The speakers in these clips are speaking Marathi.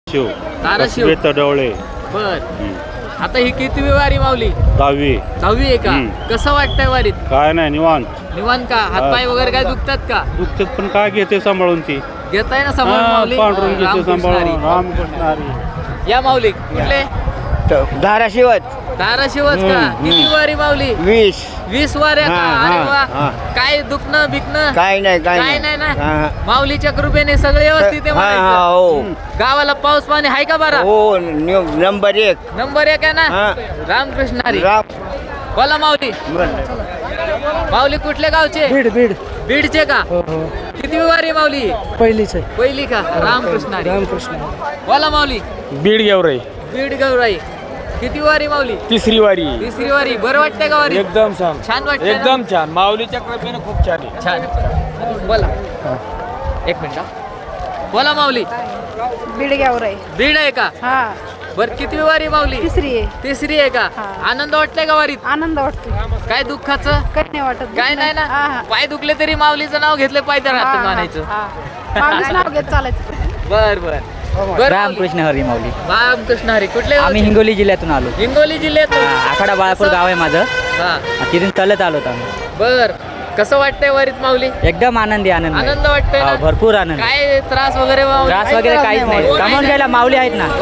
शिव ताराशिव तडवळे बर. आता ही किती वारी माऊली? 10वी आहे का? कसं वाटतंय वारीत? काय नाही निवांत निवांत का? हातपाय वगैरे काय दुखतात का? दुखतात पण काय घेते सांभाळून ती घेताय ना समोर माऊली? पांढरून घेते रामकृष्ण सांभाळून हरी. रामकृष्ण हरी. या माऊली कुठले? धाराशिवच ताराशिवच का? किती वारी माऊली? 20 वाऱ्या का? हा, अरे हा, वा. काय दुखणं बिकणं काय नाही काय नाही ना? माऊलीच्या कृपेने सगळे व्यवस्थित आहे म्हणायचं. हो गावाला पाऊस पाणी आहे का बरा? हो नंबर 1 नंबर 1 आहे ना? हा. रामकृष्ण हरी. राम बोला माऊली. माऊली कुठल्या गावचे? बीड बीडचे का? किती वारी माऊली? पहिलीच आहे. पहिली का? रामकृष्ण हरी. रामकृष्ण बोला माऊली. बीड गेवराई बीड गौराई. किती वारी माऊली? तिसरी वारी तिसरी वारी. बरं वाटतंय का वारी? एकदम छान छान वाटतंय ना? एकदम छान माऊलीच्या कृपेने खूप छान आहे. छान. बोला. एक मिनिट हा. बोला माऊली. बीड गावराई. बीड आहे का? हा बर किती वारी माऊली? तिसरी आहे. तिसरी आहे का? हा. आनंद वाटतंय का वारीत? आनंद वाटतो. काय दुःखाचं? काही नाही वाटत. काय नाही हा, ना? हा. पाय दुखले तरी माऊलीचं नाव घेतलं पाहिजे हा, राहतं हा, मानायचं. हा. माऊलीचं नाव घेत चालायचं. बर बर बर. रामकृष्ण हरी माऊली. रामकृष्ण हरी. कुठले आम्ही गावचे? हिंगोली जिल्ह्यातून आलो. हिंगोली जिल्ह्यात. आखाडा बाळापूर गाव आहे माझं. हा तिथून चालत आलो होतो आम्ही. बर. कसं वाटतंय वारीत माऊली? एकदम आनंदी आनंद आहे. आनंद वाटतोय हो, ना? भरपूर आनंद. काय त्रास वगैरे माऊली? त्रास वगैरे काहीच नाही. कमावून घ्यायला माऊली आहेत ना.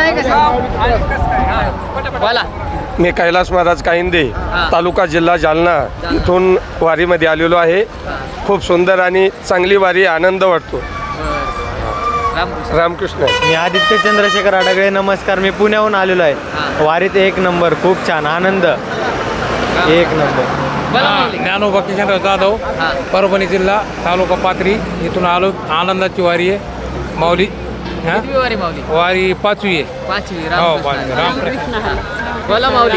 बोला. मी कैलास महाराज काहिंदे हा. तालुका जिल्हा जालना इथून वारीमध्ये आलेलो आहे. खूप सुंदर आणि चांगली वारी आनंद वाटतो. रामकृष्ण. रामकृष्ण मी आदित्य चंद्रशेखर आडगळे. नमस्कार. मी पुण्याहून आलेलो हा. आहे. वारीत 1 नंबर. खूप छान आनंद. 1 नंबर. बोला माऊली. ज्ञानोबा किशनराव जाधव, हा. परभणी जिल्हा, तालुका पाथरी. इथून आलो. आनंदाची वारी आहे माऊली. हा? कितवी वारी माऊली? वारी 5वी आहे. 5वी. हो, रामकृष्ण. रामकृष्ण. हा. बोला माऊली.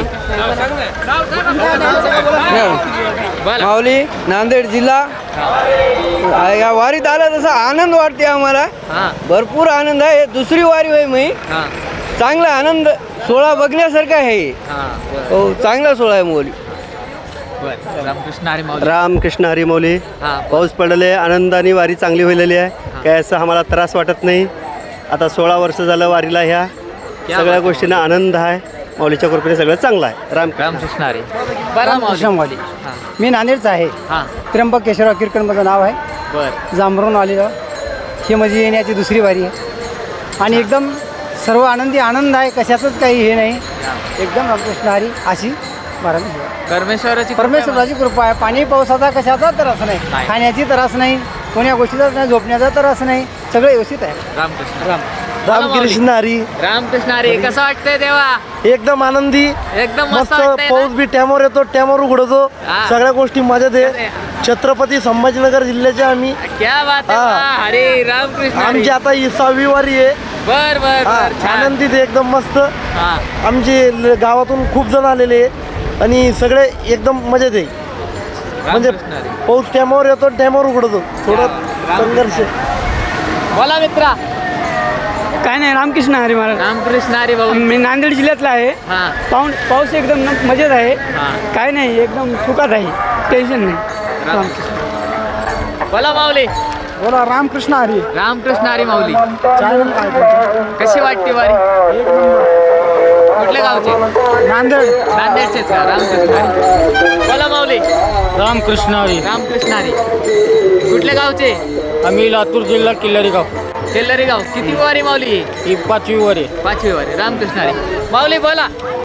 बोला. माऊली नांदेड जिल्हा. या वारीत आला तसा आनंद वाटते आम्हाला. हा भरपूर आनंद आहे. दुसरी वारी होय मी. हा चांगला आनंद सोहळा बघण्यासारखा आहे. हा. बर हो चांगला सोहळा आहे माऊली. बर. रामकृष्ण हरी माऊली. रामकृष्ण हरी माऊली. हा. पाऊस पडले आनंदाने वारी चांगली व्हायलेली आहे. काय असं आम्हाला त्रास वाटत नाही. आता 16 वर्ष झालं वारीला. ह्या सगळ्या गोष्टींना आनंद आहे. माऊलीच्या कृपेने सगळं चांगलं आहे. रामकृष्ण हरी. बरं माऊली. हा मी नांदेडचा आहे. हा. त्र्यंबक केशवराव किरकण माझं नाव आहे. बर. जांभरून आलेलो. ही माझी येण्याची दुसरी वारी आहे. आणि एकदम सर्व आनंदी आनंद आहे. कशाचंच काही हे नाही. एकदम रामकृष्ण हरी अशी महाराज. परमेश्वराची परमेश्वराची कृपा आहे. पाणी पावसाचा कशाचा त्रास नाही. नाही. खाण्याची त्रास नाही. कोण्या गोष्टीचा नाही. झोपण्याचा त्रास नाही. सगळं व्यवस्थित आहे. रामकृष्ण. रामकृष्ण हरी. रामकृष्ण हरी. कसं वाटतंय देवा? एकदम आनंदी. एकदम मस्त मस्त वाटतंय पाऊस ना? बी टॅमवर येतो. टॅमवर उघडतो. हा. सगळ्या गोष्टी मजेत आहे. छत्रपती संभाजीनगर जिल्ह्याचे आम्ही. क्या बात आहे. हा. वा. हरी रामकृष्ण हरी. आमची आता ही 6वी वारी आहे. बर बर हा, बर. छान. आनंदीत आहे, एकदम मस्त. हा. आमचे गावातून खूप जण आलेले आहे. आणि सगळे एकदम मजेत आहे. म्हणजे रामकृष्ण हरी. पाऊस टॅमवर येतो. टॅमवर उघडतो. थोडं संघर्ष. बोला मित्रा. काय नाही. रामकृष्ण हरी महाराज. रामकृष्ण हरी भाऊ. मी नांदेड जिल्ह्यातला आहे. हा पाऊस एकदम मजेत आहे. हा. काय नाही. एकदम सुखात आहे. टेन्शन नाही. रामकृष्ण. बोला माऊली. बोला. रामकृष्ण हरी. रामकृष्ण हरी माऊली. चॅनल काय कशी वाटते वारी? कुठल्या गावचे? नांदेड. नांदेडचेच का? रामकृष्ण हरी. बोला माऊली. रामकृष्ण हरी. रामकृष्ण हरी. कुठल्या गावचे? आम्ही लातूर जिल्हा किल्लारी गाव. तेलरी गाव. किती वारी माऊली? ही 5वी वारी. 5वी वारी. रामकृष्ण हरी. माऊली बोला.